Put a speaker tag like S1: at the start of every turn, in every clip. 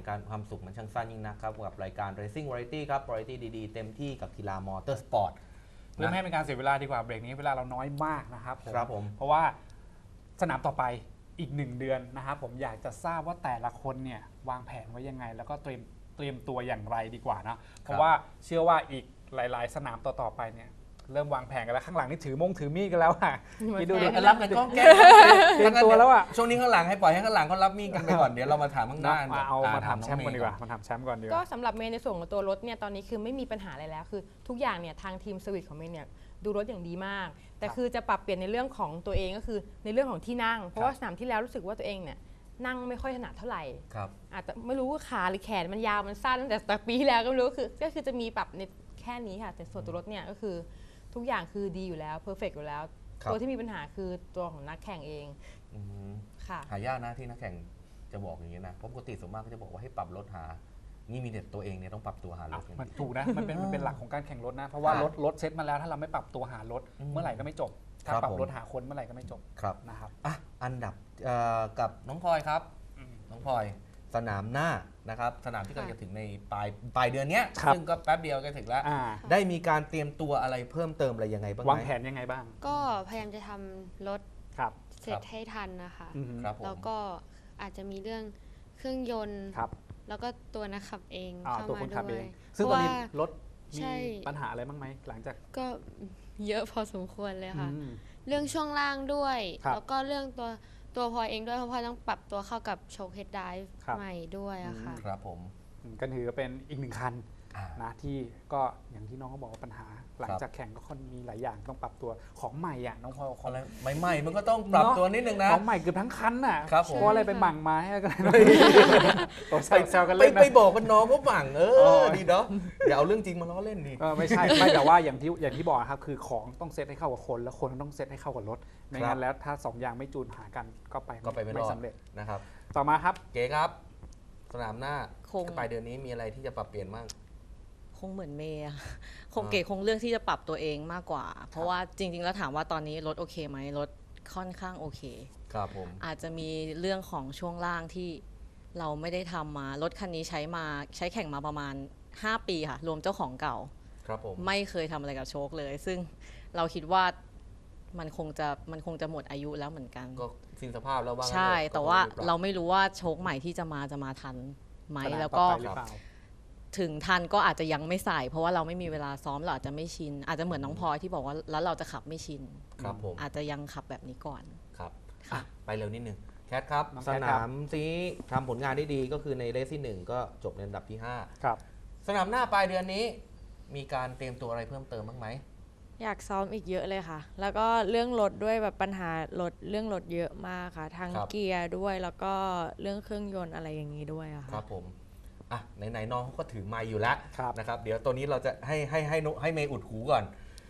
S1: งการความสุขมันช่างสั้นยิ่งนะครับกับรายการ Racing Variety ครับ Variety ดีๆเต็มที่กับกีฬามอเตอร์สปอร์ต
S2: เพื่อไม่ให้เป็นการเสียเวลาดีกว่าเบรกนี้เวลาเราน้อยมากนะครับ
S1: ผม
S2: เพราะว่าสนามต่อไปอีก1 เดือนนะครับผมอยากจะทราบว่าแต่ละคนเนี่ยวางแผนไว้ยังไงแล้วก็เตรียมตัวอย่างไรดีกว่านะเพราะว่าเชื่อว่าอีกหลายๆสนามต่อๆไปเนี่ยเริ่มวางแผนกันแล้วข้างหลังนี่ถือมีดกันแล้วอ่ะคิดดูดิ
S1: รับกันก้องแก้
S2: เตรียมตัวแล้วอ่ะ
S1: ช่วงนี้ข้างหลังให้ปล่อยให้ข้างหลังเขารับมีดกันไปก่อนเดี๋ยวเรามาถามข้างหน้า
S2: เอามาถามแชมป์ก่อนดีกว่ามาถามแชมป์ก่อนดีกว่า
S3: ก็สำหรับเมย์ในส่วนของตัวรถเนี่ยตอนนี้คือไม่มีปัญหาอะไรแล้วคือทุกอย่างเนี่ยทางทีมสวิตของเมย์เนี่ยดูรถอย่างดีมากแต่คือจะปรับเปลี่ยนในเรื่องของตัวเองก็คือในเรื่องของที่นั่งเพราะว่าสนามที่แล้วรู้สึกว่าตัวเองเนี่ยนั่งไม่ค่อยถนัดเท่าไหร่อาจจะไม่รู้ว่าขาหรือแขนมันยาวมันสั้นตั้งแต่ปีที่แล้วก็ไม่รู้ก็คือจะมีปรับในแค่นี้ค่ะแต่ส่วนตัวรถเนี่ยก็คือทุกอย่างคือดีอยู่แล้วเพอร์เฟกต์อยู่แล้วตัวที่มีปัญหาคือตัวของนักแข่งเองค่ะ
S1: หายากนะที่นักแข่งจะบอกอย่างนี้นะเพราะปกติส่วนมากก็จะบอกว่าให้ปรับรถหานี่มีแต่ตัวเองเนี่ยต้องปรับตัวหารถ
S2: มันถูกนะมันเป็นหลักของการแข่งรถนะเพราะว่ารถเซ็ตมาแล้วถ้าเราไม่ปรับตัวหารถเมื่อไหร่ก็ไม่จบถ้าปรับรถหาคนเมื่อไหร่ก็ไม่จบนะครับ
S1: อันดับกับน้องพลอยครับน้องพลอยสนามหน้านะครับสนามที่กำลังจะถึงในปลายเดือนนี้ซึ่งก็แป๊บเดียวก็ถึงแล้วได้มีการเตรียมตัวอะไรเพิ่มเติมอะไรยังไงบ้าง
S2: วางแผนยังไงบ้าง
S4: ก็พยายามจะทำรถเสร็จให้ทันนะคะแล้วก็อาจจะมีเรื่องเครื่องยนต์แล้วก็ตัวนักขับเองเข้ามาด้วย
S2: ซึ่งตอนนี้รถมีปัญหาอะไรบ้างไหมหลังจาก
S4: ก็เยอะพอสมควรเลยค่ะเรื่องช่วงล่างด้วยแล้วก็เรื่องตัวพลอยเองด้วยเพราะพลอยต้องปรับตัวเข้ากับโชว์เฮดไดฟ์ใหม่ด้วยอะค่ะ
S1: ครับผม
S2: ก็ถือเป็นอีก1 คันนะที่ก็อย่างที่น้องก็บอกว่าปัญหาหลังจากแข่งก็ค่อนมีหลายอย่างต้องปรับตัวของใหม่อ่ะน้องพลอย
S1: ของอะไรใหม่มันก็ต้องปรับตัวนิดนึงนะ
S2: ของใหม่เกือบทั้งคันน่ะเพราะอะไรไปหมั่งมาให้กันตัวแซวกัน
S1: เ
S2: ล่น
S1: ไปบอกกันน้องก็หมั่งดีเนาะอย่าเอาเรื่องจริงมาล้อเล่นดิ
S2: ไม่ใช่ไม่แต่ว่าอย่างที่บอกครับคือของต้องเซตให้เข้ากับคนแล้วคนต้องเซตให้เข้ากับรถไม่งั้นแล้วถ้า2 อย่างไม่จูนหากันก็ไปไม่สำเร็จ
S1: นะครับ
S2: ต่อมาครับ
S1: เก๋ครับสนามหน้าปลายเดือนนี้มีอะไรที่จะปรับเปลี่ยนบ้าง
S5: คงเหมือนเมย์เก๋คงเลือกที่จะปรับตัวเองมากกว่าเพราะว่าจริงๆแล้วถามว่าตอนนี้รถโอเคไหมรถค่อนข้างโอเค
S1: ครับผม
S5: อาจจะมีเรื่องของช่วงล่างที่เราไม่ได้ทำมารถคันนี้ใช้แข่งมาประมาณ5 ปีค่ะรวมเจ้าของเก่า
S1: ครับผม
S5: ไม่เคยทำอะไรกับโชคเลยซึ่งเราคิดว่ามันคงจะหมดอายุแล้วเหมือนกัน
S1: ก็สิ้นสภาพแล้วบ้าง
S5: ใช่แต่ว่าเราไม่รู้ว่าโชคใหม่ที่จะมาทันไหมแล้วก็ถึงทันก็อาจจะยังไม่ใส่เพราะว่าเราไม่มีเวลาซ้อมเราอาจจะไม่ชินอาจจะเหมือนน้องพลอยที่บอกว่าแล้วเราจะขับไม่ชิน
S1: ครับผม
S5: อาจจะยังขับแบบนี้ก่อน
S1: ครับไปเร็วนิดนึงแคทครับสนามที่ทำผลงานได้ดีก็คือในเรสที่1ก็จบในอันดับที่5
S2: ครับ
S1: สนามหน้าปลายเดือนนี้มีการเตรียมตัวอะไรเพิ่มเติมบ้างไหม
S3: อยากซ้อมอีกเยอะเลยค่ะแล้วก็เรื่องรถด้วยแบบปัญหเรื่องรถเยอะมากค่ะทั้งเกียร์ด้วยแล้วก็เรื่องเครื่องยนต์อะไรอย่างนี้ด้วยค่ะ
S1: ครับผมไหนน้องเขาก็ถือไมค์อยู่แล้วนะครับเดี๋ยวตัวนี้เราจะให้เมย์อุดหูก่อน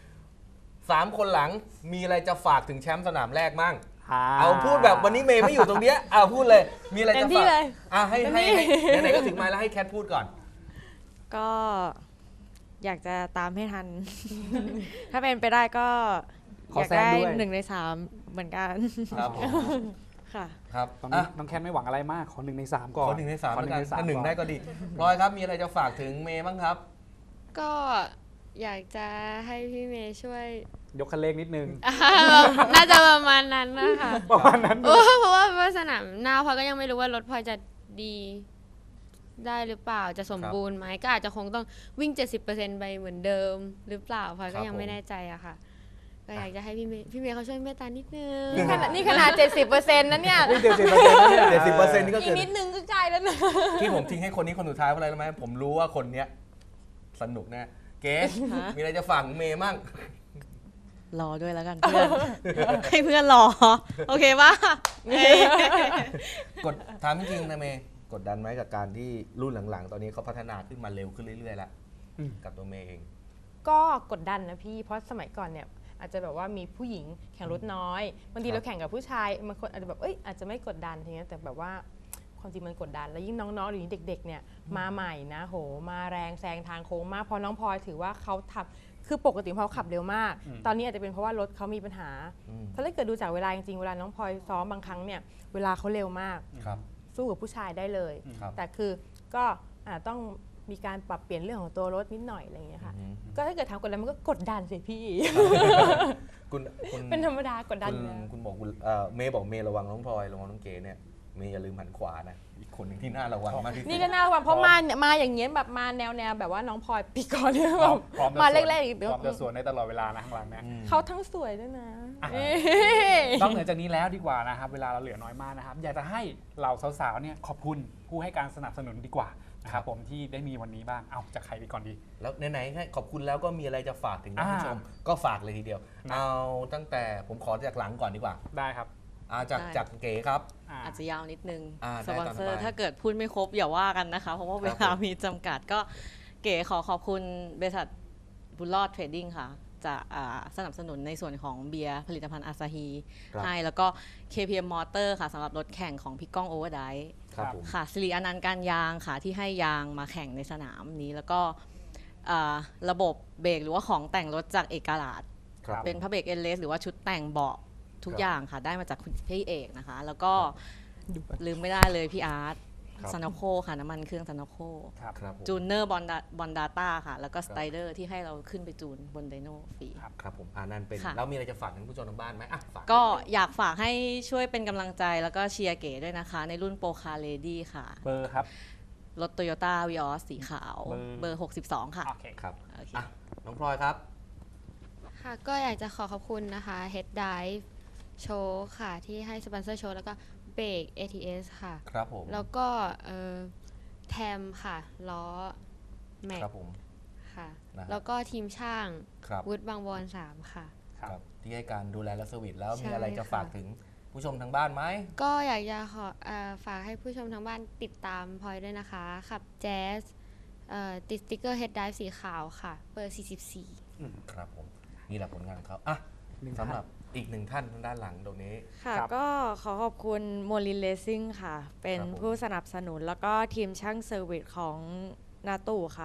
S1: 3 คนหลังมีอะไรจะฝากถึงแชมป์สนามแรกมั่งเอาพูดแบบวันนี้เมย์ไม่อยู่ตรงเนี้ยพูดเลยมีอะไรจะฝากให้ไหนก็ถึงไมค์แล้วให้แคทพูดก่อน
S3: ก็อยากจะตามให้ทัน ถ้าเป็นไปได้ก็อยากได้1 ใน 3เหมือนกัน
S1: ครับ
S3: ค่ะ
S1: ครับ
S2: ตอนนี้น้องแคนไม่หวังอะไรมากขอ1 ใน 3ก่อน
S1: ขอ1 ใน 3แล้วกันถ้า1ได้ก็ดีพลอยครับมีอะไรจะฝากถึงเมย์บ้างครับ
S4: ก็อยากจะให้พี่เมย์ช่วย
S2: ยกคันเร่งนิดนึง
S4: น่าจะประมาณนั้นนะคะ
S2: ประมาณนั้น
S4: เพราะว่าสนามหน้าพลอยก็ยังไม่รู้ว่ารถพลอยจะดีได้หรือเปล่าจะสมบูรณ์ไหมก็อาจจะคงต้องวิ่ง 70% ไปเหมือนเดิมหรือเปล่าพลอยก็ยังไม่แน่ใจอะค่ะก็อยากจะให้พี่เมย์เขาช่วยเมตตานิดนึง
S3: นี่ขนาด 70% นะเนี่ย
S1: 70%นี่ก็
S3: อีกนิดนึงก็ใกล้แล้วนะ
S1: ที่ผมทิ้งให้คนนี้คนสุดท้ายเพราะอะไรรู้ไหมผมรู้ว่าคนเนี้ยสนุกแน่เก๋มีอะไรจะฝากเมย์มั่ง
S5: รอด้วยแล้วกันเพื่อนให้เพื่อนรอโอเคป่ะ
S1: กดถามจริงนะเมย์กดดันไหมกับการที่รุ่นหลังๆตอนนี้เขาพัฒนาขึ้นมาเร็วขึ้นเรื่อยๆแล้วกับตัวเมย์เอง
S3: ก็กดดันนะพี่เพราะสมัยก่อนเนี่ยอาจจะแบบว่ามีผู้หญิงแข่งรถน้อยบางทีเราแข่งกับผู้ชายบางคนอาจจะแบบอาจจะไม่กดดันทีนี้แต่แบบว่าความจริงมันกดดันแล้วยิ่งน้องๆหรือเด็กๆเนี่ยมาใหม่นะโหมาแรงแซงทางโค้งมากพอน้องพลอยถือว่าเขาทำคือปกติเขาขับเร็วมากตอนนี้อาจจะเป็นเพราะว่ารถเขามีปัญหาถ้าเกิดดูจากเวลาจริงๆเวลาน้องพลอยซ้อมบางครั้งเนี่ยเวลาเขาเร็วมากสู้กับผู้ชายได้เลยแต่คือก็ต้องมีการปรับเปลี่ยนเรื่องของตัวรถนิดหน่อยอะไรอย่างเงี้ยค่ะ ก็ถ้าเกิดทำกดดันมันก็กดดันสิพี่
S1: คุณ
S3: เป็นธรรมดากดดันอยู่แล้ว
S1: คุณบอกคุณเมย์บอกเมย์ระวังน้องพลอยระวังน้องเก๋เนี่ยเมย์อย่าลืมหันขวานะอีกคนหนึ่งที่น่าระวังมากที่สุด
S3: นี่ก็น่าระวังเพราะมาอย่างเงี้ยแบบมาแนวแบบว่าน้องพลอยปีก่อนเนี่ยแบบ
S2: พร้อมจะ
S3: มา
S2: สวน
S3: แรกๆอีก
S2: พร้อมจะสวนในตลอดเวลานะข้างหลังเนี่ย
S3: เขาทั้งสวยด้วยนะ
S2: นอกเหนือจากนี้แล้วดีกว่านะครับเวลาเราเหลือน้อยมากนะครับอยากจะให้เหล่าสาวๆเนี่ยขอบคุณผู้ให้การสนับสนุนดีกว่านะครับผมที่ได้มีวันนี้บ้างเอาจากใครไปก่อนดี
S1: แล้วไหนๆให้ขอบคุณแล้วก็มีอะไรจะฝากถึงท่านผู้ชมก็ฝากเลยทีเดียว เอาตั้งแต่ผมขอจากหลังก่อนดีกว่า
S2: ได้ครับ
S1: จากเก๋ครับ
S5: อาจจะยาวนิดนึง
S1: ได้
S5: สปอนเซอ
S1: ตามส
S5: ร์
S1: บาย
S5: ถ้าเกิดพูดไม่ครบอย่าว่ากันนะคะ เพราะว่าเวลามีจำกัดก็เก๋ขอบคุณบริษัทบุญรอดเทรดดิ้งค่ะ จะสนับสนุนในส่วนของเบียร์ผลิตภัณฑ์อาซาฮี
S1: ครับ
S5: ให้แล้วก็ KPM Motor ค่ะสำหรับรถแข่งของพี่ก้องโอเวอร์ได
S1: ครับผม
S5: ค่ะสิริอนันต์การยางค่ะที่ให้ยางมาแข่งในสนามนี้ แล้วก็ระบบเบรกหรือว่าของแต่งรถจากเอกลาด
S1: ครับ
S5: เป็นพระเบรกเอเลสหรือว่าชุดแต่งเบาะทุกอย่างค่ะ ได้มาจากคุณพี่เอกนะคะ แล้วก็ลืมไม่ได้เลยพี่อาร์ต
S1: ครับ
S5: ซานโคค่ะน้ำมันเครื่องซานโค
S2: ครับ
S1: ครับผม
S5: จูเนอร์บอนดาต้าค่ะ แล้วก็สไตเดอร์ที่ให้เราขึ้นไปจูนบนไดโนฟรี
S1: ครับผมนั่นเป็น
S5: ค่ะ
S1: แล้วมีอะไรจะฝากถึงผู้ชมทางบ้านไหมฝาก
S5: ก็อยากฝากให้ช่วยเป็นกำลังใจแล้วก็เชียร์เก๋ด้วยนะคะ ในรุ่นโปรคาร์เลดี้ค่ะ
S2: เบอร์ครับ
S5: รถโตโยต้าวีออสสีขาว
S2: เบอร์
S5: เบอร์ 62 ค่ะ
S2: โอเค
S1: ครับ
S5: โอเค
S1: น้องพลอยครับ
S4: ค่ะก็อยากจะขอบคุณนะคะ Head Dive Show ค่ะ ที่ให้สปอนเซอร์โชว์แล้วก็เบรก ATS ค่ะ
S1: ครับผม
S4: แล้วก็แทมค่ะ ล้อแม็ก
S1: ครับผม
S4: ค่ะ
S1: นะฮะ
S4: แล้วก็ทีมช่าง
S1: ครับ
S4: วุฒิบางวอน3ค่ะ
S1: ครับที่ให้การดูแลและเซอร์วิสแล้ว
S4: ใช่
S1: มีอะไรจะ
S4: ค่ะ
S1: ฝากถึงผู้ชมทางบ้านไหม
S4: ก็อยากจะฝากให้ผู้ชมทางบ้านติดตามพลอยด้วยนะคะ ขับแจ๊สติดสติ๊กเกอร์ Head Dive สีขาวค่ะ เบอร์ 44
S1: ครับผมนี่แหละผลงานของเขาสำหรับอีกหนึ่งท่านทางด้านหลังตรงนี้
S6: ค่ะ
S2: ครับ
S6: ก็ขอขอบคุณโมลินเลสซิ่งค่ะ เป็น
S1: ครับผม
S6: ผู้สนับสนุนแล้วก็ทีมช่างเซอร์วิสของนาตู่ค่ะ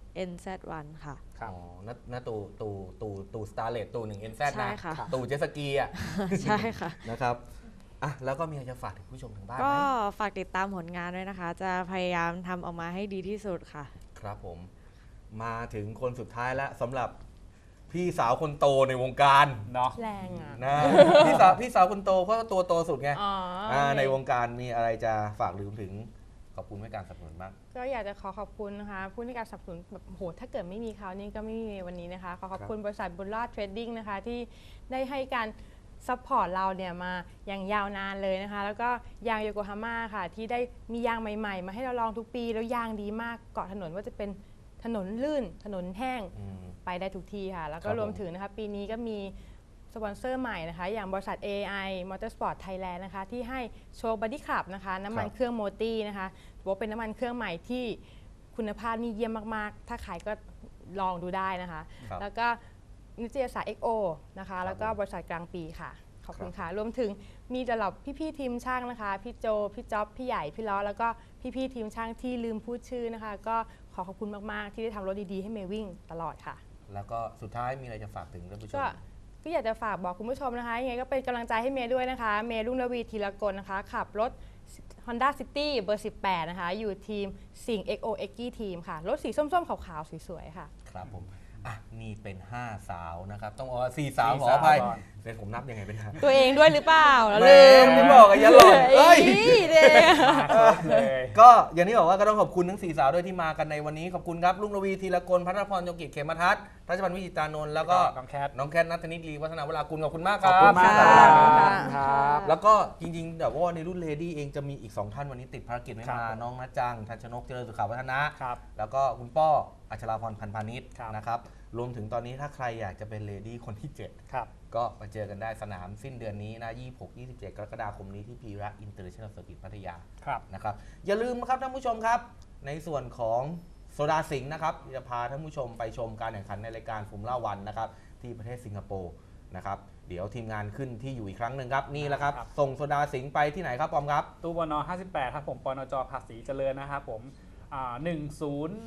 S6: NZ1 ค่ะ
S2: ครับ
S1: อ๋อนาตูสตาร์เลตตูหนึ่งเอ็นแซด
S6: ใช่
S1: นะ
S6: ค่ะ
S1: ตูเจตสกีอ่ะ
S6: ใช่ค่ะ
S1: นะครับแล้วก็มีอะไรจะฝากถึงผู้ชมทางบ้านไห
S6: ก็
S1: ม
S6: ฝากติดตามผลงานด้วยนะคะ จะพยายามทำออกมาให้ดีที่สุดค่ะ
S1: ครับผม มาถึงคนสุดท้ายแล้วสำหรับพี่สาวคนโตในวงการ
S2: เนาะ
S3: แรงอ่ะ
S1: นะ พี่สาวคนโตเพราะว่าตัวโตสุดไง
S3: อ๋อ
S1: ในวงการมีอะไรจะฝากลืมถึงขอบคุณให้การสนับสนุนบ้าง
S3: ก็อยากจะขอบคุณนะคะผู้ให้การสนับสนุนแบบโหถ้าเกิดไม่มีเขานี่ก็ไม่มีวันนี้นะคะขอบคุณบริษัทบุญรอดเทรดดิ้งนะคะที่ได้ให้การซัพพอร์ตเราเนี่ยมาอย่างยาวนานเลยนะคะ แล้วก็ยางโยโกฮาม่าค่ะที่ได้มียางใหม่ๆ มาให้เราลองทุกปีแล้วยางดีมากเกาะถนนว่าจะเป็นถนนลื่นถนนแห้ง ไปได้ทุกที่ค่ะ แล้วก็
S1: ครับผม
S3: รวมถึงนะคะปีนี้ก็มีสปอนเซอร์ใหม่นะคะ อย่างบริษัท AI Motorsport Thailand นะคะ ที่ให้โชว์บอดี้คลับนะคะ น้ำมันเครื่องโมตี้นะคะถือว่าเป็นน้ำมันเครื่องใหม่ที่คุณภาพนี่เยี่ยมมาก ๆ ถ้าขายก็ลองดูได้นะคะ
S1: ครับ
S3: แล้วก็นิตยสาร XO นะคะ แล้วก็บริษัทกลางปีค่ะ ขอบคุณค่ะ รวมถึงมีสำหรับพี่ๆทีมช่างนะคะ พี่โจ พี่จ๊อบ พี่ใหญ่ พี่ล้อ แล้วก็พี่ๆทีมช่างที่ลืมพูดชื่อนะคะ ก็ขอบคุณมากๆ ที่ได้ทำรถดีๆให้เมย์วิ่งตลอดค่ะ
S1: แล้วก็สุดท้ายมีอะไรจะฝากถึงท่านผู้ชม
S3: ก็อยากจะฝากบอกคุณผู้ชมนะคะยังไงก็เป็นกำลังใจให้เมย์ด้วยนะคะ เมย์รุ่งระวีธีรกลนะคะ ขับรถ Honda City เบอร์ 18 นะคะ อยู่ทีมสิงห์ XO x ทีมค่ะ รถสีส้มๆ ขาวๆ สวยๆ ค่ะ
S1: ครับผมนี่เป็น 5 สาวนะครับ ต้องเอา4 สาวขออภัย
S2: ก่อน
S1: เป็นผมนับยังไงเป็น5
S3: ตัวเองด้วยหรือเปล่าแล้ว
S1: แห
S3: ลืม
S1: ที่บอกอะอย่าหล่นเอ้ย
S3: เด็ก
S2: มาครบเลย
S1: ก็อย่างที่บอกว่าก็ต้องขอบคุณทั้ง4 สาวด้วยที่มากันในวันนี้ขอบคุณครับลุงระวีธีรกลพัทรพรยงกิจเขมทัศน์ทัชพันธ์วิจิตรานนท์แล้วก็
S2: น้องแคท
S1: น้องแคทนัทธนิตลีวัฒนาวรากุลขอบคุณมากค
S2: ข
S1: รั
S2: อ
S1: บบ
S2: คุณมากค
S3: ครั
S2: รับ
S3: บ
S2: ครับ
S1: แล้วก็จริงๆแต่ว่าในรุ่นเลดี้เองจะมีอีก 2 ท่านวันนี้ติดภารกิจไม่
S2: ครั
S1: มา
S2: บ
S1: น้องนัจจังทันชนกเจริญสุขาวัฒนะ
S2: ครับ
S1: แล้วก็คุณป้ออัชราพรพันธ์พาณิชย์
S2: ครับ
S1: นะครับรวมถึงตอนนี้ถ้าใครอยากจะเป็นเลดี้คนที่ 7
S2: ครับ
S1: ก็มาเจอกันได้สนามสิ้นเดือนนี้นะ 26-27 กรกฎาคมนี้ที่พีระอินเตอร์เนชั่นแนลเซอร์กิตพัทยา
S2: ครับ
S1: นะครับอย่าลืมนะครับท่านผู้ชมครับ ในส่วนของโซดาสิงห์นะครับจะพาท่านผู้ชมไปชมการแข่งขันในรายการฟอร์มูล่าวันนะครับที่ประเทศสิงคโปร์นะครับเดี๋ยวทีมงานขึ้นที่อยู่อีกครั้งหนึ่งครับนี่แหละครับ
S2: ครับ
S1: ส่งโซดาสิงห์ไปที่ไหนครับปอมครับ
S2: ตู้บน58 ครับผมปนจภาษีเจริญนะครับผม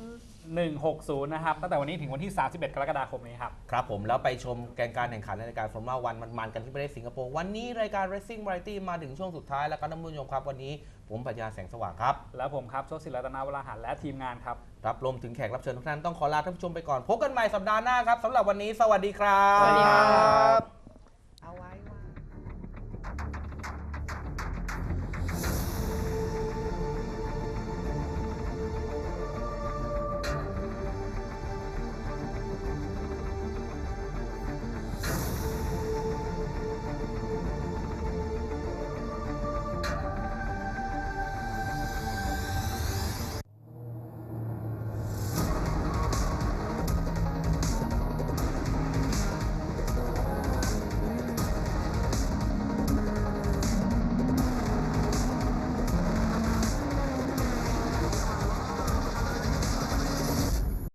S2: 160 นะครับ ตั้งแต่วันนี้ถึงวันที่ 31 กรกฎาคมนี้ครับ
S1: ครับผมแล้วไปชมการแข่งขันในรายการฟอร์มูล่าวันมันๆกันที่ประเทศสิงคโปร์วันนี้รายการ Racing Variety มาถึงช่วงสุดท้ายแล้วก็ท่านผู้ชมครับวันนี้ผมปรัชญาแสงสว่างครับ
S2: แล้วผมครับโชติศิรัตนาวราหารและทีมงานครับ
S1: รับรวมถึงแขกรับเชิญทุกท่านต้องขอลาท่านผู้ชมไปก่อนพบกันใหม่สัปดาห์หน้าครับสำหรับวันนี้สวัสดีครับ
S3: สวัสดีครับ